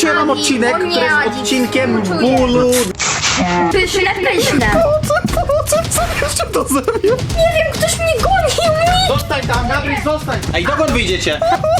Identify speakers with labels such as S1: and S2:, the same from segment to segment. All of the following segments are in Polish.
S1: Dzisiaj mam odcinek,
S2: O nie,
S1: który jest
S2: Adi,
S1: odcinkiem
S2: współczuję.
S1: bólu.
S2: Pyszne, pyszne.
S1: Jeszcze to zrobił.
S2: Nie wiem, ktoś mnie gonił.
S1: Zostań tam, Gabryś, zostań. Ej, dokąd wyjdziecie?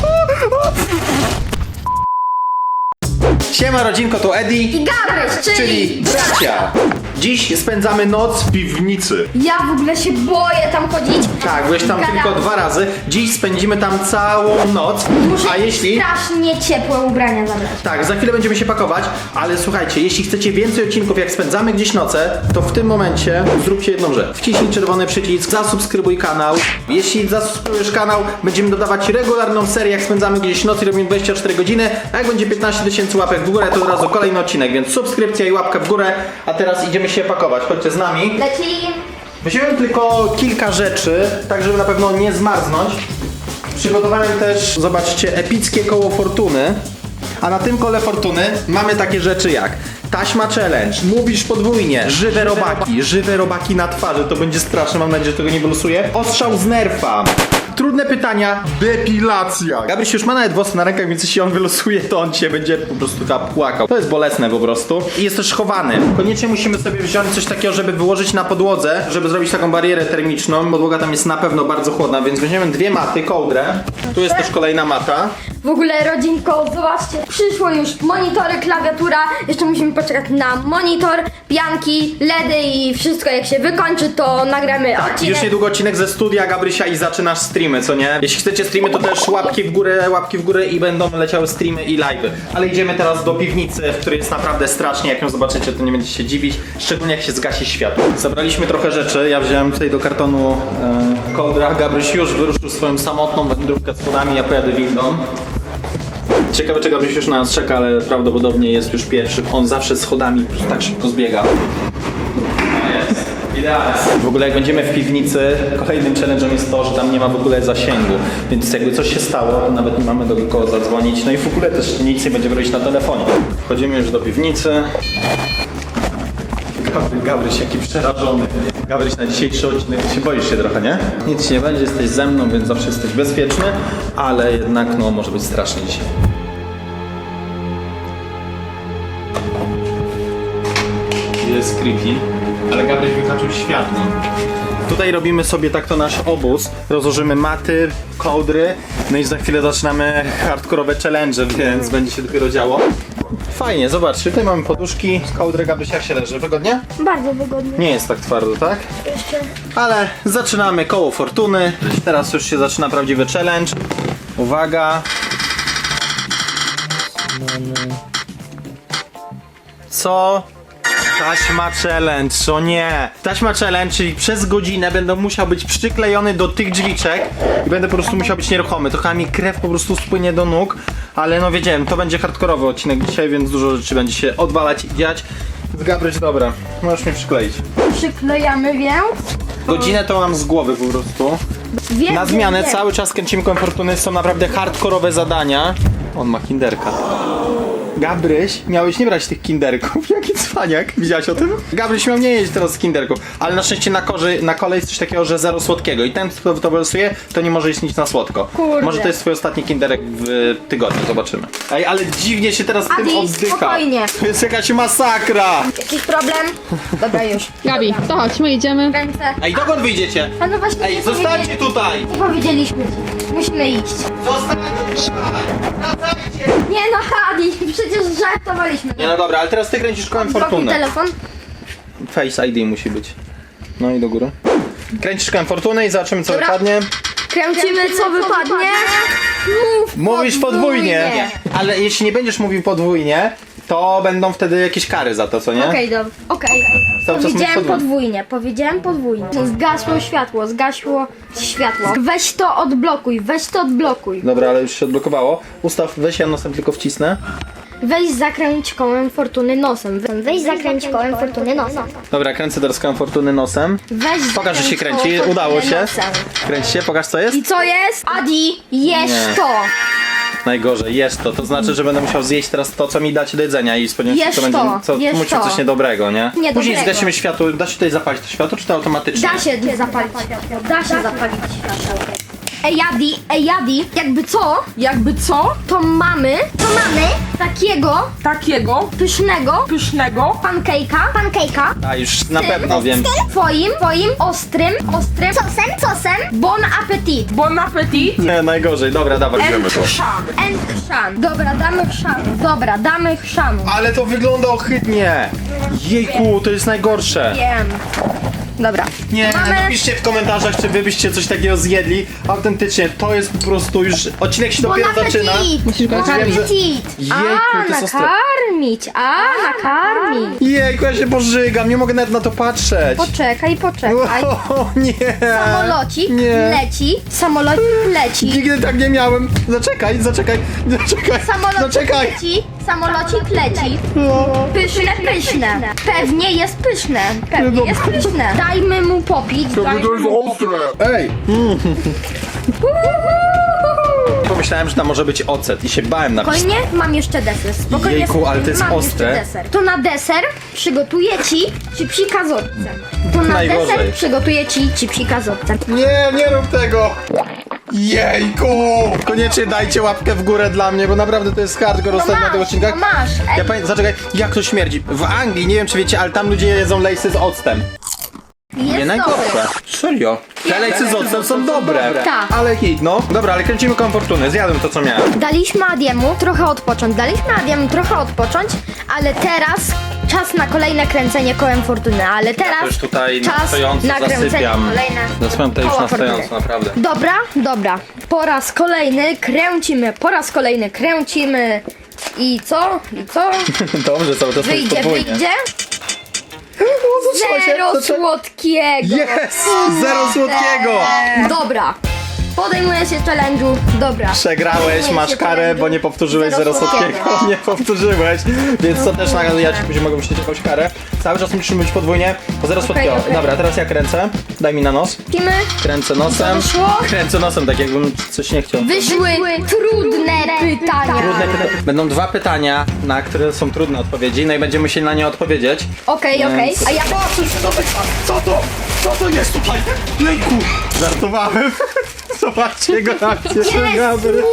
S1: Siema rodzinko, to Eddie,
S2: I Gabryś,
S1: czyli bracia. Dziś spędzamy noc w piwnicy.
S2: Ja w ogóle się boję tam chodzić.
S1: Tak, byłeś tam
S2: Gadam.
S1: tylko 2 razy. Dziś spędzimy tam całą noc.
S2: Muszę
S1: A jeśli...
S2: strasznie ciepłe ubrania zabrać.
S1: Tak, za chwilę będziemy się pakować, ale słuchajcie, jeśli chcecie więcej odcinków jak spędzamy gdzieś noce, to w tym momencie zróbcie jedną rzecz. Wciśnij czerwony przycisk, zasubskrybuj kanał. Jeśli zasubskrybujesz kanał, będziemy dodawać regularną serię jak spędzamy gdzieś noc i robimy 24 godziny, a jak będzie 15 000 łapek w górę, to od razu kolejny odcinek, więc subskrypcja i łapka w górę, a teraz idziemy się pakować. Chodźcie z nami.
S2: Leci.
S1: Wziąłem tylko kilka rzeczy, tak żeby na pewno nie zmarznąć. Przygotowałem też, zobaczcie, epickie koło fortuny. A na tym kole fortuny mamy takie rzeczy jak taśma challenge, mówisz podwójnie, żywe robaki na twarzy, to będzie straszne, mam nadzieję, że tego nie wylosuje. Ostrzał z nerfa. Trudne pytania, depilacja. Gabryś już ma nawet włosy na rękach, więc jeśli on wylosuje, to on cię będzie po prostu płakał. To jest bolesne po prostu. I jest też chowany. Koniecznie musimy sobie wziąć coś takiego, żeby wyłożyć na podłodze, żeby zrobić taką barierę termiczną. Podłoga tam jest na pewno bardzo chłodna, więc weźmiemy 2 maty, kołdrę. Tu jest też kolejna mata.
S2: W ogóle rodzinko, zobaczcie, przyszło już monitory, klawiatura. Jeszcze musimy poczekać na monitor, pianki, LEDy i wszystko. Jak się wykończy, to nagramy odcinek.
S1: Już niedługo odcinek ze studia Gabrysia i zaczynasz streamy, co nie? Jeśli chcecie streamy, to też łapki w górę i będą leciały streamy i live'y. Ale idziemy teraz do piwnicy, w której jest naprawdę strasznie. Jak ją zobaczycie, to nie będziecie się dziwić, szczególnie jak się zgasi światło. Zabraliśmy trochę rzeczy. Ja wziąłem tutaj do kartonu kołdra. Gabryś już wyruszył swoją samotną wędrówkę schodami, ja pojadę windą. Ciekawe, czy Gabryś już na nas czeka, ale prawdopodobnie jest już pierwszy. On zawsze schodami tak szybko zbiega. Jest. Idealnie. W ogóle jak będziemy w piwnicy, kolejnym challenge'em jest to, że tam nie ma w ogóle zasięgu. Więc jakby coś się stało, to nawet nie mamy do kogo zadzwonić. No i w ogóle też nic nie będziemy robić na telefonie. Wchodzimy już do piwnicy. Gabryś jaki przerażony. Gabryś na dzisiejszy odcinek się boisz się trochę, nie? Nic się nie będzie, jesteś ze mną, więc zawsze jesteś bezpieczny, ale jednak no może być strasznie dzisiaj. Jest creepy, ale Gabryś wyhaczył światło. Tutaj robimy sobie tak to nasz obóz. Rozłożymy maty, kołdry, no i za chwilę zaczynamy hardkorowe challenge, więc będzie się dopiero działo. Fajnie, zobaczcie, tutaj mamy poduszki, kołdrę. Gabryś, jak się leży? Wygodnie?
S2: Bardzo wygodnie.
S1: Nie jest tak twardo, tak?
S2: Jeszcze.
S1: Ale zaczynamy koło fortuny. Teraz już się zaczyna prawdziwy challenge. Uwaga. Co? Taśma challenge, o nie! Taśma challenge, czyli przez godzinę będę musiał być przyklejony do tych drzwiczek i będę po prostu musiał być nieruchomy. Trochę mi krew po prostu spłynie do nóg, ale no wiedziałem, to będzie hardkorowy odcinek dzisiaj, więc dużo rzeczy będzie się odwalać i dziać. Gabryś, dobra, możesz mnie przykleić.
S2: Przyklejamy, więc.
S1: Godzinę to mam z głowy po prostu.
S2: Wiem,
S1: Na zmianę
S2: wiem.
S1: cały czas kręcimy kołem fortuny, są naprawdę hardkorowe zadania. On ma kinderka. Gabryś, miałeś nie brać tych kinderków, jaki cwaniak, widziałaś o tym? Gabryś miał nie jeść teraz z kinderków, ale na szczęście na kole jest coś takiego, że zero słodkiego i ten, kto to wylosuje, to nie może jeść nic na słodko.
S2: Kurde.
S1: Może to jest twój ostatni kinderek w tygodniu, zobaczymy. Ej, ale dziwnie się teraz tym
S2: Adi,
S1: oddycha.
S2: spokojnie.
S1: To jest jakaś masakra.
S2: Jakiś problem? Dobra, już.
S3: Gabi, to chodź, my idziemy.
S2: Ręce.
S1: Ej, dokąd wyjdziecie?
S2: A no właśnie
S1: Ej,
S2: nie
S1: zostańcie
S2: powiedzieli-
S1: tutaj.
S2: Nie powiedzieliśmy ci. Musimy iść.
S1: Zostańcie tutaj.
S2: Nie no, Adi, przecież żartowaliśmy.
S1: Nie no dobra, ale teraz ty kręcisz kołem
S2: Blokuj
S1: fortuny.
S2: telefon.
S1: Face ID musi być. No i do góry. Kręcisz kołem fortuny i zobaczymy co
S2: Dobra.
S1: wypadnie.
S2: Kręcimy, co wypadnie.
S1: Mówisz podwójnie. Ale jeśli nie będziesz mówił podwójnie, to będą wtedy jakieś kary za to, co nie?
S2: Okej, dobra. Okej.
S1: Cały czas mówisz
S2: Powiedziałem podwójnie. Zgasło światło. Weź to odblokuj.
S1: Dobra, ale już się odblokowało. Ustaw, weź, ja nosem tylko wcisnę.
S2: Weź zakręć kołem fortuny nosem.
S1: Dobra, kręcę teraz kołem fortuny nosem.
S2: Weź
S1: Pokaż, że się
S2: zakręć
S1: kręci.
S2: kołem
S1: Udało
S2: fortuny
S1: się.
S2: nosem.
S1: Kręć się, pokaż co jest.
S2: I co jest? Adi, jesz
S1: Nie.
S2: to.
S1: Najgorzej, jest to. To znaczy, że będę musiał zjeść teraz to, co mi dacie do jedzenia i spodziewam się, że to
S2: Jesz
S1: będzie
S2: to, jesz
S1: musi
S2: to.
S1: coś niedobrego, nie?
S2: Niedobrego.
S1: Później zgasimy światło. Da się tutaj zapalić to światło, czy to automatycznie?
S2: Da się zapalić światło. Da się zapalić światło. Ej Adi, jakby co, to mamy takie takiego pysznego pancake'a.
S1: A już na pewno wiem.
S2: Twoim ostrym sosem. Bon appetit.
S1: Nie, najgorzej. Dobra, dawaj.
S2: And chrzan. Dobra, damy chrzanu.
S1: Ale to wygląda ohydnie. Jejku, to jest najgorsze.
S2: Wiem. Dobra.
S1: Nie,
S2: Mamy-
S1: napiszcie w komentarzach, czy wy byście coś takiego zjedli. Autentycznie, to jest po prostu już... Odcinek się
S2: Bon
S1: dopiero zaczyna.
S2: appetit.
S3: Musisz go
S2: Bon
S3: nakarmić.
S2: appetit.
S1: Jejku, to jest ostre.
S2: Nakarmić.
S1: Jejku, ja się pożygam, nie mogę nawet na to patrzeć.
S2: Poczekaj.
S1: O, nie.
S2: Samolocik leci.
S1: Nigdy tak nie miałem. Zaczekaj.
S2: Samolocik leci. Pyszne. Pewnie jest pyszne. Dajmy mu popić.
S1: Ej. Pomyślałem, że tam może być ocet i się bałem na
S2: Spokojnie, mam jeszcze deser. Spokojnie,
S1: Jejku, ale to jest
S2: mam
S1: ostre.
S2: jeszcze deser. To na deser przygotuję ci psika z octem.
S1: Najgorzej.
S2: Deser przygotuję ci psika z octem.
S1: Nie rób tego! Jejku! Koniecznie dajcie łapkę w górę dla mnie, bo naprawdę to jest hardcore ostatnio na tych odcinkach.
S2: masz.
S1: Ja zaczekaj, jak to śmierdzi? W Anglii, nie wiem czy wiecie, ale tam ludzie jedzą lejsy z octem. Nie
S2: Jest
S1: najgorsze.
S2: dobre.
S1: Serio. Te lejsy z octem są dobre.
S2: Tak.
S1: Ale hit, no. Dobra, ale kręcimy koło fortuny. Zjadłem to, co miałem.
S2: Daliśmy Adiemu trochę odpocząć, ale teraz czas na kolejne kręcenie kołem fortuny, ale teraz
S1: To już tutaj na
S2: czas
S1: stojąco
S2: na kręcenie
S1: zasypiam.
S2: kolejne
S1: Zasypiam to już
S2: koła
S1: na
S2: fortuny.
S1: stojąco, naprawdę.
S2: Dobra. Po raz kolejny kręcimy. I co?
S1: Dobrze, cały czas
S2: Wyjdzie.
S1: Zaczęło się,
S2: Zero
S1: zaczęło-
S2: słodkiego.
S1: Jest! Zero słodkiego!
S2: Dobra. Podejmuję się challenge'u. Dobra.
S1: Przegrałeś,
S2: Podejmuję
S1: masz
S2: się
S1: karę,
S2: challenge'u.
S1: bo nie powtórzyłeś zero słodkiego. Nie powtórzyłeś, więc to też ja ci później mogę wrzucić jakąś karę. Cały czas musimy być podwójnie, bo zero słodkiego.
S2: okej.
S1: Dobra, teraz ja kręcę. Daj mi na nos.
S2: Pimy.
S1: Kręcę nosem.
S2: wyszło?
S1: Kręcę nosem, tak jakbym coś nie chciał.
S2: Wyszły trudne pytania.
S1: Trudne pytania. Będą dwa pytania, na które są trudne odpowiedzi, no i będziemy musieli na nie odpowiedzieć.
S2: Okej.
S1: Więc-
S2: A ja
S1: Co to jest tutaj? Jejku! Żartowałem. Zobaczcie jego akcję. Gabry.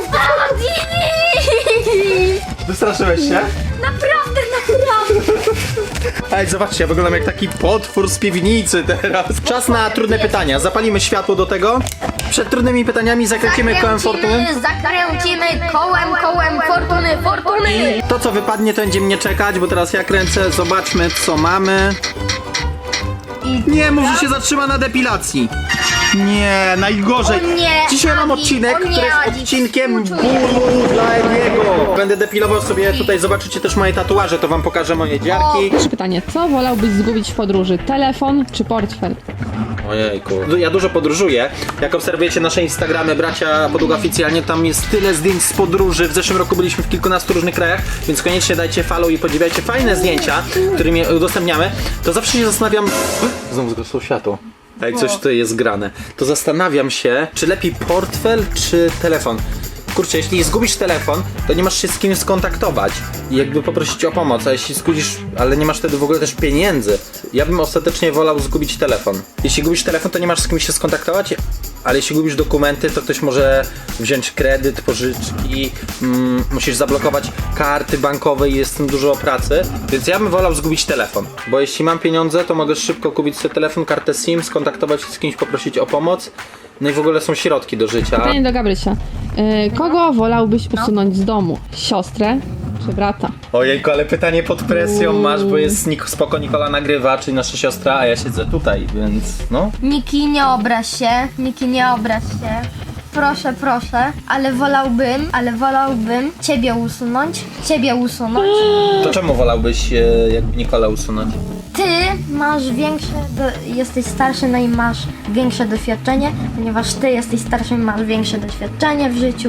S1: Wystraszyłeś się?
S2: Naprawdę.
S1: Ej, zobaczcie, ja wyglądam jak taki potwór z piwnicy teraz. Czas na trudne pytania. Zapalimy światło do tego. Przed trudnymi pytaniami zakręcimy kołem fortuny.
S2: Zakręcimy kołem fortuny.
S1: To, co wypadnie, to będzie mnie czekać, bo teraz ja kręcę. Zobaczmy, co mamy. Nie, może się zatrzyma na depilacji. Nie, najgorzej.
S2: O nie,
S1: Dzisiaj mam
S2: Adi,
S1: odcinek,
S2: o nie,
S1: który jest
S2: Adi,
S1: odcinkiem
S2: współczuję.
S1: bólu dla niego. Będę depilował sobie tutaj, zobaczycie też moje tatuaże, to wam pokażę moje dziarki.
S3: Pierwsze pytanie, co wolałbyś zgubić w podróży? Telefon czy portfel?
S1: Ojejku. Ja dużo podróżuję. Jak obserwujecie nasze Instagramy Bracia Podługa Oficjalnie, tam jest tyle zdjęć z podróży. W zeszłym roku byliśmy w kilkunastu różnych krajach, więc koniecznie dajcie follow i podziwiajcie fajne zdjęcia, którymi udostępniamy. To zawsze się zastanawiam... Znowu zgasło światło. Jak coś tutaj jest grane. To zastanawiam się, czy lepiej portfel, czy telefon. Kurczę, jeśli zgubisz telefon, to nie masz się z kim skontaktować i jakby poprosić o pomoc, a jeśli zgubisz, ale nie masz wtedy w ogóle też pieniędzy. Ja bym ostatecznie wolał zgubić telefon. Jeśli gubisz telefon, to nie masz z kim się skontaktować, ale jeśli gubisz dokumenty, to ktoś może wziąć kredyt, pożyczki, musisz zablokować karty bankowe i jest w tym dużo pracy, więc ja bym wolał zgubić telefon, bo jeśli mam pieniądze, to mogę szybko kupić sobie telefon, kartę SIM, skontaktować się z kimś, poprosić o pomoc, no i w ogóle są środki do życia.
S3: Pytanie do Gabrysia. Kogo wolałbyś usunąć z domu? Siostrę czy brata?
S1: Ojejku, ale pytanie pod presją masz, bo jest spoko Nikola nagrywa, czyli nasza siostra, a ja siedzę tutaj, więc no.
S2: Niki, nie obraź się. Proszę, ale wolałbym ciebie usunąć.
S1: To czemu wolałbyś jakby Nikola usunąć?
S2: Ty masz jesteś starszy, no i masz większe doświadczenie, ponieważ ty jesteś starszy i masz większe doświadczenie w życiu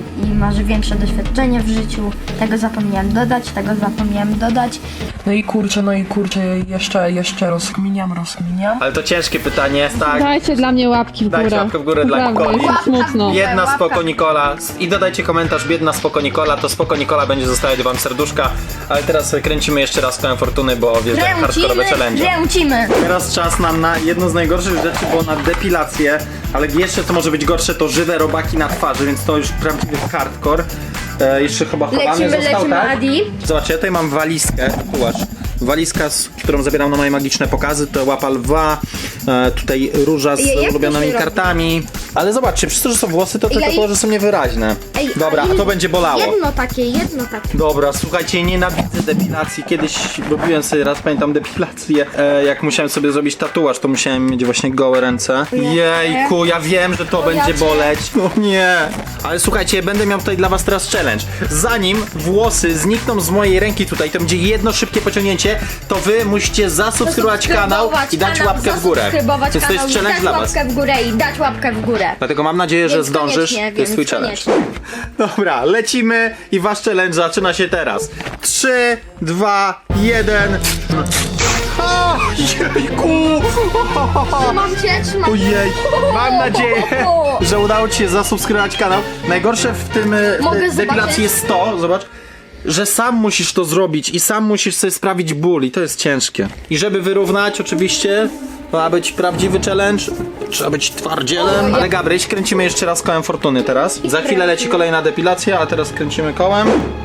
S2: Tego zapomniałem dodać.
S4: No i kurczę, jeszcze rozkminiam.
S1: Ale to ciężkie pytanie, tak.
S3: Dajcie dla mnie łapki w górę.
S1: Dajcie łapkę w górę dla
S3: Naprawdę,
S1: Nikoli.
S3: jest smutno.
S1: Biedna
S2: Łapka.
S1: spoko Nikola i dodajcie komentarz biedna spoko Nikola, to spoko Nikola będzie zostawiać wam serduszka, ale teraz kręcimy jeszcze raz kołem fortuny, bo wiesz, jak hardkorowe challenge.
S2: Kręcimy.
S1: Teraz czas nam na jedną z najgorszych rzeczy, bo na depilację, ale jeszcze co może być gorsze, to żywe robaki na twarzy, więc to już prawdziwy hardcore. Jeszcze chyba chowany
S2: Lecimy,
S1: został, tak?
S2: Adi.
S1: Zobaczcie, ja tutaj mam walizkę, zobacz. Walizka, z którą zabieram na moje magiczne pokazy, to łapa lwa, tutaj róża z
S2: Ej, jak to
S1: ulubionymi
S2: się robi?
S1: kartami. Ale zobaczcie, przez to, że są włosy, to te
S2: Ej,
S1: tatuaże są niewyraźne.
S2: Ej,
S1: Dobra,
S2: ale
S1: a to będzie bolało.
S2: Jedno takie.
S1: Dobra, słuchajcie, nienawidzę depilacji. Kiedyś robiłem sobie raz, pamiętam, depilację. Jak musiałem sobie zrobić tatuaż, to musiałem mieć właśnie gołe ręce. Jejku, ja wiem, że to będzie boleć. No nie. Ale słuchajcie, będę miał tutaj dla was teraz challenge. Zanim włosy znikną z mojej ręki tutaj, to będzie jedno szybkie pociągnięcie, to wy musicie zasubskrybować kanał i dać łapkę w górę. Więc to jest challenge dla was.
S2: Dać łapkę w górę i dać łapkę w górę.
S1: Dlatego mam nadzieję, że
S2: Więc
S1: zdążysz.
S2: koniecznie,
S1: To jest twój
S2: więc
S1: challenge.
S2: koniecznie.
S1: Dobra, lecimy i wasz challenge zaczyna się teraz. 3, 2, 1. O, jejku!
S2: Trzymam cię.
S1: Ojej, mam nadzieję, że udało ci się zasubskrybować kanał. Najgorsze w tym
S2: Mogę
S1: depilacji
S2: zobaczyć?
S1: jest to, zobacz, że sam musisz to zrobić i sam musisz sobie sprawić ból i to jest ciężkie. I żeby wyrównać oczywiście, ma być prawdziwy challenge, trzeba być twardzielem. Ale Gabryś, kręcimy jeszcze raz kołem fortuny teraz. Za chwilę leci kolejna depilacja, a teraz kręcimy kołem.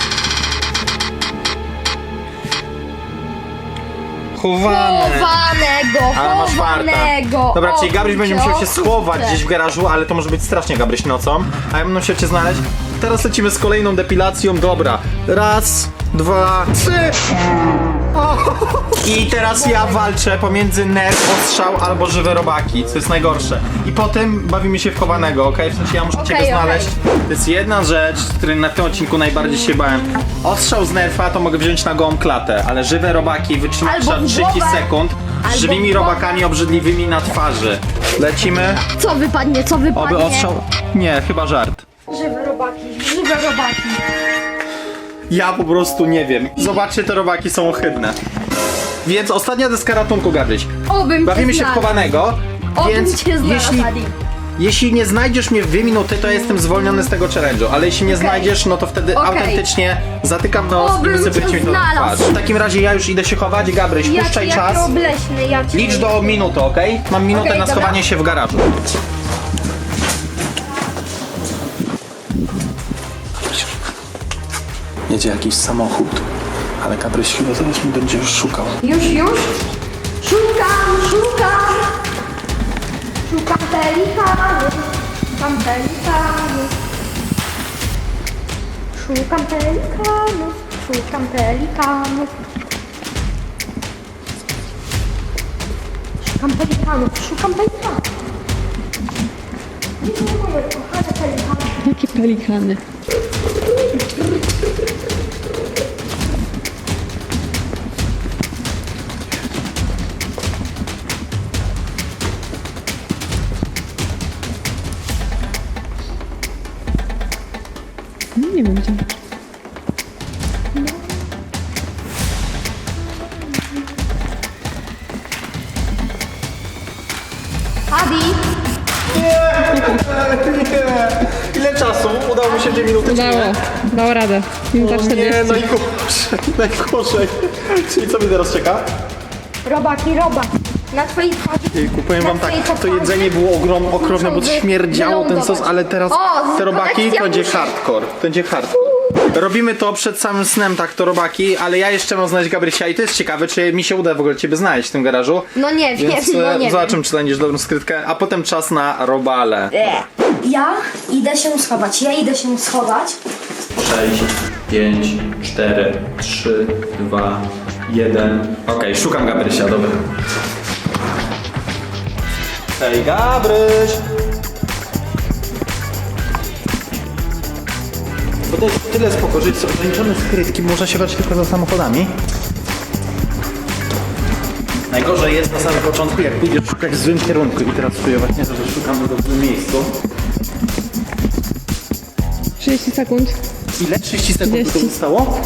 S1: Ale masz farta. Dobra, czyli Gabryś będzie musiał się schować gdzieś w garażu, ale to może być strasznie Gabryś nocą. A ja będę musiał cię znaleźć. Teraz lecimy z kolejną depilacją. Dobra. Raz, dwa, trzy. O! I teraz ja walczę pomiędzy nerw, ostrzał albo żywe robaki, co jest najgorsze. I potem bawimy się w chowanego, okej? W sensie ja muszę ciebie znaleźć. To jest jedna rzecz, z której na tym odcinku najbardziej się bałem. Ostrzał z nerfa to mogę wziąć na gołą klatę, ale żywe robaki wytrzymać
S2: Albo
S1: trzeba
S2: w
S1: 30
S2: głowę.
S1: sekund z
S2: Albo
S1: żywymi
S2: w głowę.
S1: robakami obrzydliwymi na twarzy. Lecimy.
S2: Co wypadnie?
S1: Oby ostrzał... Nie, chyba żart.
S2: Żywe robaki.
S1: Ja po prostu nie wiem. Zobaczcie, te robaki są ohydne. Więc ostatnia deska ratunku, Gabryś.
S2: Obym
S1: Bawimy
S2: cię
S1: się w
S2: znalazł.
S1: chowanego,
S2: Obym
S1: więc
S2: cię znalazł,
S1: jeśli,
S2: Adi.
S1: jeśli nie znajdziesz mnie w 2 minuty, to ja jestem zwolniony z tego challenge'u, ale jeśli nie znajdziesz, no to wtedy
S2: Okej.
S1: autentycznie zatykam nos i
S2: Obym
S1: wy sobie
S2: cię
S1: będziecie mi to
S2: znalazł.
S1: twarz. W takim razie ja już idę się chować, Gabryś, puszczaj czas.
S2: Obleśny, ja cię...
S1: Licz do minuty, okej? Mam minutę
S2: Okej,
S1: na
S2: dobra.
S1: schowanie się w garażu. Jedzie jakiś samochód, ale Gabryś chyba zaraz mi będzie już szukał.
S2: Już? Szukam pelikany. Szukam pelikanów. Nie, kochane pelikany.
S3: Jakie pelikany? No, nie wiem gdzie.
S2: Adi,
S1: Ile czasu? Udało mi się 2 minuty, czy
S3: Udało.
S1: nie?
S3: Dał radę. Minuta
S1: O
S3: 40.
S1: nie, najgorzej. Czyli co mnie teraz czeka?
S2: robaki. Na twojej twarzy.
S1: Powiem wam tak, to jedzenie było okropne, bo śmierdziało ten sos, ale teraz
S2: O,
S1: te robaki to
S2: protekcja
S1: będzie
S2: musi.
S1: hardcore. To będzie hardcore. Robimy to przed samym snem, tak, to robaki, ale ja jeszcze mam znaleźć Gabrysia i to jest ciekawe, czy mi się uda w ogóle ciebie znaleźć w tym garażu.
S2: No nie wiem,
S1: Więc
S2: no nie
S1: zobaczymy, czy znajdziesz dobrą skrytkę, a potem czas na robale.
S2: Ja idę się schować.
S1: 6, 5, 4, 3, 2, 1. Okej, szukam Gabrysia, dobra. Hej, Gabryś! Bo to jest tyle spoko, że są ograniczone skrytki, można się brać tylko za samochodami. Najgorzej jest na samym początku, jak pójdziesz szukać w złym kierunku i teraz czuję właśnie to, że szukam w dobrym miejscu.
S3: 30 sekund.
S1: Ile? 30 sekund
S3: 30.
S1: to zostało?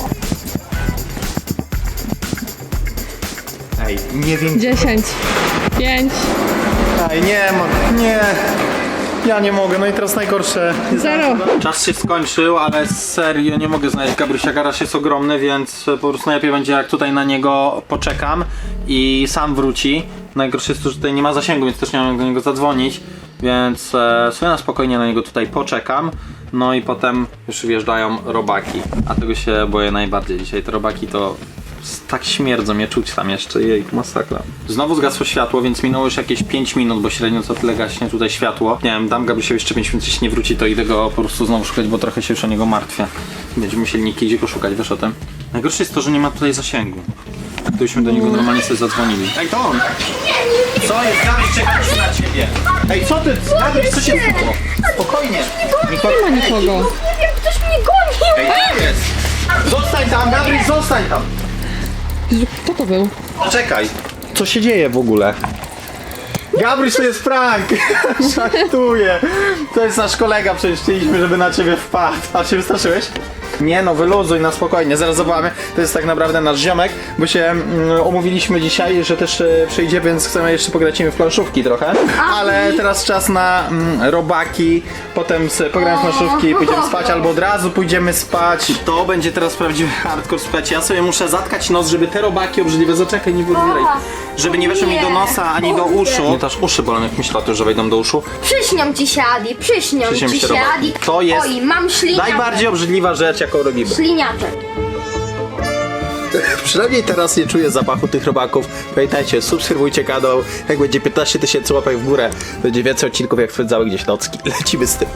S1: Ej, nie wiem.
S3: 10. 5.
S1: Ej, nie. Ja nie mogę, no i teraz najgorsze.
S3: 0.
S1: Czas się skończył, ale serio nie mogę znaleźć Gabrysia. Garaż jest ogromny, więc po prostu najlepiej będzie, jak tutaj na niego poczekam i sam wróci. Najgorsze jest to, że tutaj nie ma zasięgu, więc też nie mam do niego zadzwonić, więc sobie na spokojnie na niego tutaj poczekam. No i potem już wjeżdżają robaki. A tego się boję najbardziej dzisiaj. Te robaki to tak śmierdzą, mnie czuć tam jeszcze. Jej, masakra. Znowu zgasło światło, więc minęło już jakieś 5 minut, bo średnio co tyle gaśnie tutaj światło. Nie wiem, dam Gabrysiowi jeszcze 5 minut, jeśli nie wróci, to idę go po prostu znowu szukać, bo trochę się już o niego martwię. Będziemy musieli Niki gdzie go szukać, wiesz o tym? Najgorsze jest to, że nie ma tutaj zasięgu. Gdybyśmy do niego normalnie sobie zadzwonili. Ej, to on! Co jest? Gabryś, czekaliśmy na ciebie! Ej, co ty? Gabryś, co się stało? Spokojnie!
S3: Nie ma nikogo.
S2: Nie wiem, ktoś mnie gonił.
S1: Ej, co jest? Zostań tam, Gabryś, zostań tam!
S3: Jezu, kto to był?
S1: Czekaj, co się dzieje w ogóle? Gabryś, to jest prank! Żartuję! To jest nasz kolega, przecież chcieliśmy, żeby na ciebie wpadł. A się wystraszyłeś? Nie no, wyluzuj na spokojnie, zaraz zobaczymy. To jest tak naprawdę nasz ziomek, bo się umówiliśmy dzisiaj, że też przyjdzie, więc chcemy jeszcze pograć w planszówki trochę. Ale teraz czas na robaki, potem pogramy w planszówki i pójdziemy spać, albo od razu pójdziemy spać. To będzie teraz prawdziwy hardcore, słuchajcie, ja sobie muszę zatkać nos, żeby te robaki obrzydliwe, zaczekaj, nie wybieraj. Żeby nie weszły mi do nosa, ani do uszu. Nie, też uszy bolą, jak myślę o tym, że wejdą do uszu.
S2: Przyśnią ci się, Adi, przyśnią
S1: Przyśnią
S2: ci
S1: się
S2: się,
S1: robaki.
S2: Adi.
S1: To jest
S2: Oj, mam śliniaczek.
S1: najbardziej obrzydliwa rzecz, jaką robimy.
S2: Śliniaczek.
S1: Przynajmniej teraz nie czuję zapachu tych robaków. Pamiętajcie, subskrybujcie kanał. Jak będzie 15 000 łapek w górę, będzie więcej odcinków jak spędzały gdzieś nocki. Lecimy z tym.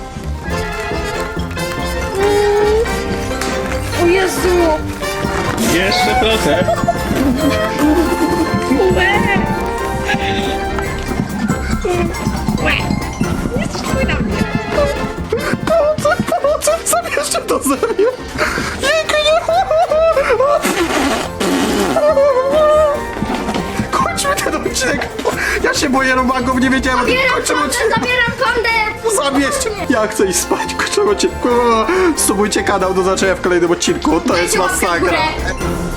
S2: O Jezu.
S1: Jeszcze trochę. Pomocy, zabierzcie to ze mnie. Kończmy ten odcinek. Ja się boję robaków, nie wiedziałem.
S2: Zabieram kondę.
S1: Zabierzcie. Ja chcę iść spać. Kończymy odcinek. Subujcie kanał do zobaczenia w kolejnym odcinku. To jest
S2: Dajcie łapkę w
S1: masakra.
S2: górę.